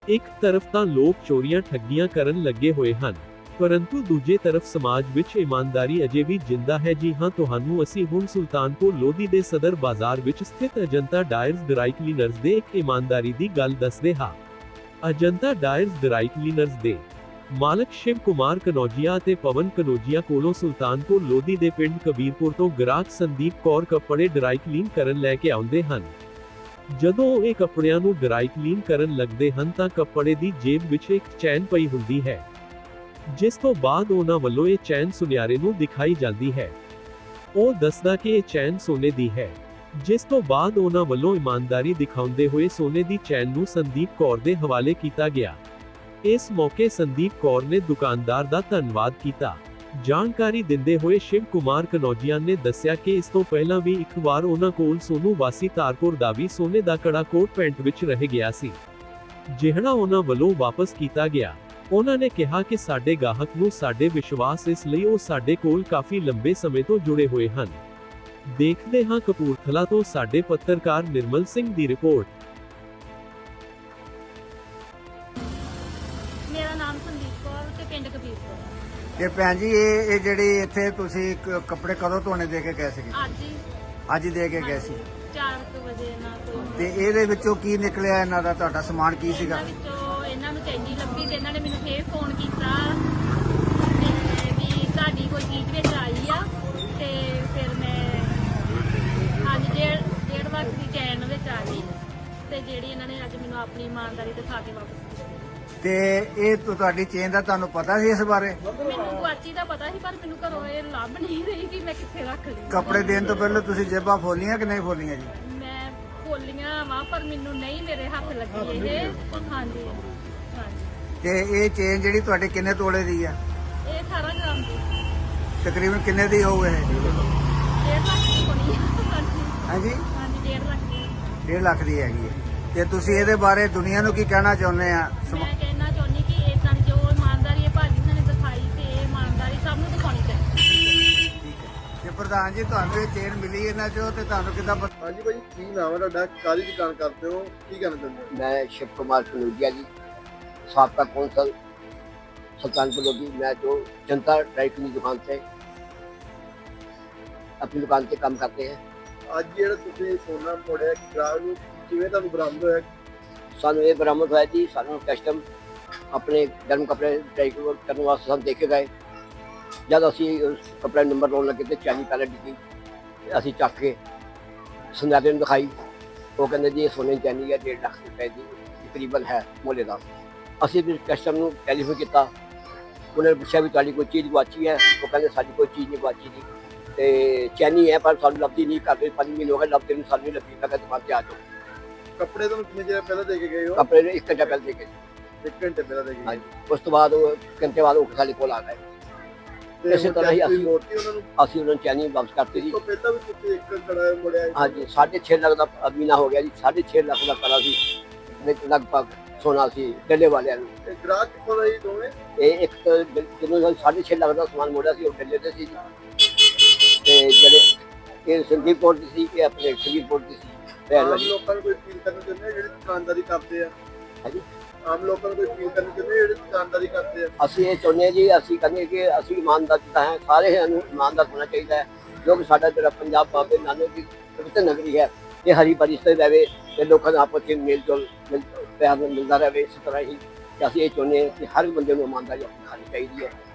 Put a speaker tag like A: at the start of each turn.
A: ਇੱਕ ਤਰਫ ਤਾਂ ਲੋਕ ਚੋਰੀਆਂ ਠੱਗੀਆਂ ਕਰਨ ਲੱਗੇ ਹੋਏ ਹਨ, ਪਰੰਤੂ ਦੂਜੇ ਤਰਫ ਸਮਾਜ ਵਿੱਚ ਇਮਾਨਦਾਰੀ ਅਜੇ ਵੀ ਜਿੰਦਾ ਹੈ। ਜੀ ਹਾਂ, ਤੁਹਾਨੂੰ ਅਸੀਂ ਹੁਣ ਸੁਲਤਾਨਪੁਰ ਲੋਧੀ ਦੇ ਸਦਰ ਬਾਜ਼ਾਰ ਵਿੱਚ ਸਥਿਤ ਅਜੰਤਾ ਡਾਇਰਸ ਡਰਾਈ ਕਲੀਨਰਜ਼ ਦੇ ਇੱਕ ਇਮਾਨਦਾਰੀ ਦੀ ਗੱਲ ਦੱਸਦੇ ਹਾਂ। ਅਜੰਤਾ ਡਾਇਰਸ ਡਰਾਈ ਕਲੀਨਰਜ਼ ਦੇ ਮਾਲਕ ਸ਼ਿਵ ਕੁਮਾਰ ਕਨੌਜੀਆ ਅਤੇ ਪਵਨ ਕਨੌਜੀਆ ਕੋਲੋਂ ਸੁਲਤਾਨਪੁਰ ਲੋਧੀ ਦੇ ਪਿੰਡ ਕਬੀਰਪੁਰ ਤੋਂ ਗ੍ਰਾਹਕ ਸੰਦੀਪ ਕੌਰ ਕੱਪੜੇ ਡਰਾਈ ਕਲੀਨ ਕਰਨ ਲੈ ਕੇ ਆਉਂਦੇ ਹਨ। ਜਦੋਂ ਉਹ ਇਹ ਕੱਪੜਿਆਂ ਨੂੰ ਡਰਾਈ ਕਲੀਨ ਕਰਨ ਲੱਗਦੇ ਹਨ ਤਾਂ ਕੱਪੜੇ ਦੀ ਜੇਬ ਵਿੱਚ ਇੱਕ ਚੈਨ ਪਈ ਹੁੰਦੀ ਹੈ, ਜਿਸ ਤੋਂ ਬਾਅਦ ਉਹਨਾਂ ਵੱਲੋਂ ਇਹ ਚੈਨ ਸੁਨਿਆਰੇ ਨੂੰ ਦਿਖਾਈ ਜਾਂਦੀ ਹੈ। ਉਹ ਦੱਸਦਾ ਕਿ ਇਹ ਚੈਨ ਸੋਨੇ ਦੀ ਹੈ, ਜਿਸ ਤੋਂ ਬਾਅਦ ਉਹਨਾਂ ਵੱਲੋਂ ਇਮਾਨਦਾਰੀ ਦਿਖਾਉਂਦੇ ਹੋਏ ਸੋਨੇ ਦੀ ਚੈਨ ਨੂੰ ਸੰਦੀਪ ਕੌਰ ਦੇ ਹਵਾਲੇ ਕੀਤਾ ਗਿਆ। ਇਸ ਮੌਕੇ ਸੰਦੀਪ ਕੌਰ ਨੇ ਦੁਕਾਨਦਾਰ ਦਾ ਧੰਨਵਾਦ ਕੀਤਾ। ਜਾਣਕਾਰੀ ਦਿੰਦੇ ਹੋਏ ਸ਼ਿਵ ਕੁਮਾਰ ਕਨੌਜੀਆ ਨੇ ਦੱਸਿਆ ਕਿ ਇਸ ਤੋਂ ਪਹਿਲਾਂ ਵੀ ਇੱਕ ਵਾਰ ਉਹਨਾਂ ਕੋਲ ਸੋਨੂ ਵਾਸੀ ਤਾਰਪੁਰ ਦਾ ਵੀ ਸੋਨੇ ਦਾ ਕੜਾ ਕੋਟ ਪੈਂਟ ਵਿੱਚ ਰਹਿ ਗਿਆ ਸੀ, ਜਿਹੜਾ ਉਹਨਾਂ ਵੱਲੋਂ ਵਾਪਸ ਕੀਤਾ ਗਿਆ। ਉਹਨਾਂ ਨੇ ਕਿਹਾ ਕਿ ਸਾਡੇ ਗਾਹਕ ਨੂੰ ਸਾਡੇ ਵਿਸ਼ਵਾਸ, ਇਸ ਲਈ ਉਹ ਸਾਡੇ ਕੋਲ ਕਾਫੀ ਲੰਬੇ ਸਮੇਂ ਤੋਂ ਜੁੜੇ ਹੋਏ ਹਨ। ਦੇਖਦੇ ਹਾਂ ਕਪੂਰਥਲਾ ਤੋਂ ਸਾਡੇ ਪੱਤਰਕਾਰ ਨਿਰਮਲ ਸਿੰਘ ਦੀ ਰਿਪੋਰਟ।
B: ਮੇਰਾ ਨਾਮ ਸੰਦੀਪ ਕੌਰ ਤੇ ਪਿੰਡ ਕਬੀਰਪੁਰ।
C: ਇਹ ਭੈਣ ਜੀ ਇਹ ਜਿਹੜੀ ਇੱਥੇ ਤੁਸੀਂ ਕੱਪੜੇ ਕਦੋਂ ਧੋਣੇ ਦੇ ਕੇ ਗਏ ਸੀਗੇ? ਅੱਜ ਹੀ ਦੇ ਕੇ ਗਏ ਸੀ।
B: 4 ਵਜੇ ਨਾ ਕੋਈ
C: ਤੇ ਇਹਦੇ ਵਿੱਚੋਂ ਕੀ ਨਿਕਲਿਆ? ਇਹਨਾਂ ਦਾ ਤੁਹਾਡਾ ਸਮਾਨ ਕੀ ਸੀਗਾ?
B: ਇਹਨਾਂ ਵਿੱਚੋਂ ਇਹਨਾਂ ਨੂੰ ਚੈਨੀ ਲੱਭੀ ਤੇ ਇਹਨਾਂ ਨੇ ਮੈਨੂੰ ਫੇਰ ਫੋਨ ਕੀਤਾ ਤੇ ਵੀ ਤੁਹਾਡੀ ਕੋਈ ਚੀਜ਼ ਵਿੱਚ ਆਈ ਆ। ਤੇ ਫਿਰ ਮੈਂ ਅੱਜ 1.5 ਲੱਖ ਦੀ ਚੈਨ ਵਿੱਚ ਆ ਗਈ ਤੇ ਜਿਹੜੀ ਇਹਨਾਂ ਨੇ ਅੱਜ ਮੈਨੂੰ ਆਪਣੀ ਇਮਾਨਦਾਰੀ ਦਿਖਾ ਕੇ ਵਾਪਸ ਕੀਤੀ।
C: ਤੇ ਇਹ ਤੁਹਾਡੀ ਚੇਨ ਦਾ ਤੁਹਾਨੂੰ ਪਤਾ ਸੀ ਇਸ ਬਾਰੇ?
B: ਮੈਨੂੰ ਗੁਆਚੀ ਦਾ ਪਤਾ ਸੀ, ਪਰ ਮੈਨੂੰ ਘਰੋਂ ਇਹ ਲੱਭ ਨਹੀਂ ਰਹੀ ਕਿ ਮੈਂ ਕਿੱਥੇ ਰੱਖ ਲਈ।
C: ਕੱਪੜੇ ਦੇਣ ਤੋਂ ਪਹਿਲਾਂ ਤੁਸੀਂ ਜੇਬਾਂ ਖੋਲੀਆਂ ਕਿ ਨਹੀਂ ਖੋਲੀਆਂ ਜੀ?
B: ਮੈਂ ਖੋਲੀਆਂ ਵਾ ਪਰ ਮੈਨੂੰ ਨਹੀਂ ਮੇਰੇ ਹੱਥ ਲੱਗੀ ਇਹ। ਹਾਂਜੀ ਹਾਂਜੀ।
C: ਤੇ ਇਹ ਚੇਨ ਜਿਹੜੀ ਤੁਹਾਡੇ ਕਿੰਨੇ ਤੋਲੇ ਦੀ ਆ?
B: ਇਹ 18 ਗ੍ਰਾਮ ਦੀ
C: ਤਕਰੀਬਨ ਕਿੰਨੇ ਦੀ ਹੋਊ ਇਹ?
B: 1.5 ਲੱਖ ਦੀ ਹੋਣੀ ਆ।
C: ਹਾਂਜੀ
B: ਹਾਂਜੀ 1.5 ਲੱਖ ਦੀ।
C: 1.5 ਲੱਖ ਦੀ ਹੈਗੀ ਹੈ। ਤੇ ਤੁਸੀਂ ਇਹਦੇ ਬਾਰੇ ਦੁਨੀਆ ਨੂੰ ਕੀ ਕਹਿਣਾ ਚਾਹੁੰਦੇ ਆ?
B: ਮੈਂ ਕਹਿਣਾ ਚਾਹੁੰਦੀ ਕਿ ਇਦਾਂ ਜੋ ਇਮਾਨਦਾਰੀ ਇਹ ਭਾਜੀ ਨੇ ਦਿਖਾਈ ਤੇ ਇਹ ਇਮਾਨਦਾਰੀ ਸਭ ਨੂੰ ਦਿਖਾਉਣੀ ਚਾਹੀਦੀ।
C: ਤੇ ਪ੍ਰਧਾਨ ਜੀ, ਤੁਹਾਨੂੰ ਇਹ ਚੇਨ ਮਿਲੀ ਇਹਨਾਂ ਚੋਂ ਤੇ ਤੁਹਾਨੂੰ ਕਿੱਦਾਂ ਪਤਾ?
D: ਹਾਂਜੀ ਭਾਈ, ਕੀ ਨਾਮ ਹੈ ਤੁਹਾਡਾ? ਕਾਹਦੀ ਦੁਕਾਨ ਕਰਦੇ ਹੋ? ਕੀ ਕਹਿਣਾ ਚਾਹੁੰਦੇ ਹੋ?
E: मैं शिव कुमार कनौजिया जी, साबका कौंसल सुल्तानपुर लोधी। मैं जो जनता ड्राई क्लीनिंग दुकान से अपनी दुकान से काम करते हैं।
D: ਅੱਜ ਜਿਹੜਾ ਤੁਸੀਂ ਸੋਨਾ ਮੋੜਿਆ ਗ੍ਰਾਹਕ ਨੂੰ, ਕਿਵੇਂ ਤੁਹਾਨੂੰ ਬਰਾਮਦ ਹੋਇਆ?
E: सानू ये बरामद होया जी, सानू कस्टम अपने गर्म कपड़े ड्राई करने वास्ते सानू देखे गए। जब असी उस कपड़े नंबर लाने लगे तो चैनी पहले डिगी, असी चक के सुनहरे नूं दिखाई। वो कहते जी ये सोने की चैनी है 1.5 लाख रुपए की तकरीबन है मुल्य का। असी भी कस्टम नूं टैलीफोन किया, उन्होंने पूछा भी तुहाडी कोई चीज़ गुआची है? वो कहते साडी कोई चीज़ नहीं गुआची जी, ते चैनी है पर सानू लभदी नहीं। घर 5 महीने हो गए लभदे नूं, सानू नहीं लभी। मैं कहता दुकान से आ जाओ।
D: ਕੱਪੜੇ ਤੁਹਾਨੂੰ ਕਿੰਨੇ ਚਿਰ ਪਹਿਲਾਂ ਦੇ ਕੇ ਗਏ ਹੋ?
E: कपड़े ने 1 घंटा पहले देखे।
D: 1 ਘੰਟੇ ਪਹਿਲਾਂ ਦੇ ਕੇ
E: हाँ
D: ਗਏ।
E: जी। उस तो बाद वो घंटे बाद वो साढ़े कोल आ गए।
D: ਤੇ
E: ਇਸੇ
D: ਹੁਣ
E: ਤਰ੍ਹਾਂ ਹੀ
D: ਤੁਸੀਂ
E: ਅਸੀਂ-
D: ਮੋੜਤੀ ਉਹਨਾਂ ਨੂੰ?
E: ਅਸੀਂ ਉਹਨਾਂ ਨੂੰ ਚੈਨੀ ਵਾਪਸ ਕਰਤੀ
D: ਇਸ
E: ਜੀ।
D: ਤੋਂ ਪਹਿਲਾਂ ਵੀ ਤੁਸੀਂ ਇੱਕ ਕੜਾ ਮੋੜਿਆ ਹੈ?
E: हाँ जी, 6.5 लाख का अमीना हो गया जी। 6.5 लाख का कड़ा सी लगभग सोना सी डल्ले वाले।
D: ਤੇ ਗ੍ਰਾਹਕ ਕਿੱਥੋਂ ਦਾ ਜੀ ਦੋਵੇਂ?
E: एक तो जिन्होंने 6.5 लाख का समान मोड़ा सी वो डल्ले दे सी जी, ते जेह्ड़े ये संदीप कौर दी सी, ये अपने कबीरपुर दी सी भैन
D: ਆਮ
E: वाली।
D: ਲੋਕਾਂ ਨੂੰ ਕੋਈ ਅਪੀਲ ਕਰਨਾ ਚਾਹੁੰਦੇ ਹੋ ਜਿਹੜੇ ਦੁਕਾਨਦਾਰੀ ਕਰਦੇ ਆ?
E: हाँ जी,
D: ਆਮ ਲੋਕਾਂ ਨੂੰ ਕੋਈ ਅਪੀਲ ਕਰਨਾ ਚਾਹੁੰਦੇ ਹੋ ਜਿਹੜੇ ਦੁਕਾਨਦਾਰੀ ਕਰਦੇ ਆ?
E: ਅਸੀਂ ਇਹ ਚਾਹੁੰਦੇ ਹਾਂ ਜੀ, ਅਸੀਂ ਕਹਿੰਦੇ ਕਿ ਅਸੀਂ ਇਮਾਨਦਾਰ ਤਾਂ ਹੈ, ਸਾਰੇ ਨੂੰ ਇਮਾਨਦਾਰ ਹੋਣਾ ਚਾਹੀਦਾ ਹੈ। ਜੋ ਕਿ ਸਾਡਾ ਜਿਹੜਾ ਪੰਜਾਬ ਬਾਬੇ ਨਾਨਕ ਦੀ ਪਵਿੱਤਰ ਨਗਰੀ ਹੈ, ਇਹ ਹਰੀ ਭਰੀ ਸੇ ਰਹੇ ਤੇ ਲੋਕਾਂ ਦਾ ਆਪਸ ਵਿੱਚ ਮੇਲ ਜੋਲ ਪਿਆਰ ਮਿਲਦਾ ਰਹੇ। ਇਸ ਤਰ੍ਹਾਂ ਹੀ ਅਸੀਂ ਇਹ ਚਾਹੁੰਦੇ ਹਾਂ ਕਿ ਹਰ ਬੰਦੇ ਨੂੰ ਇਮਾਨਦਾਰੀ ਆਪਣੀ ਖਾਣੀ ਚਾਹੀਦੀ ਹੈ।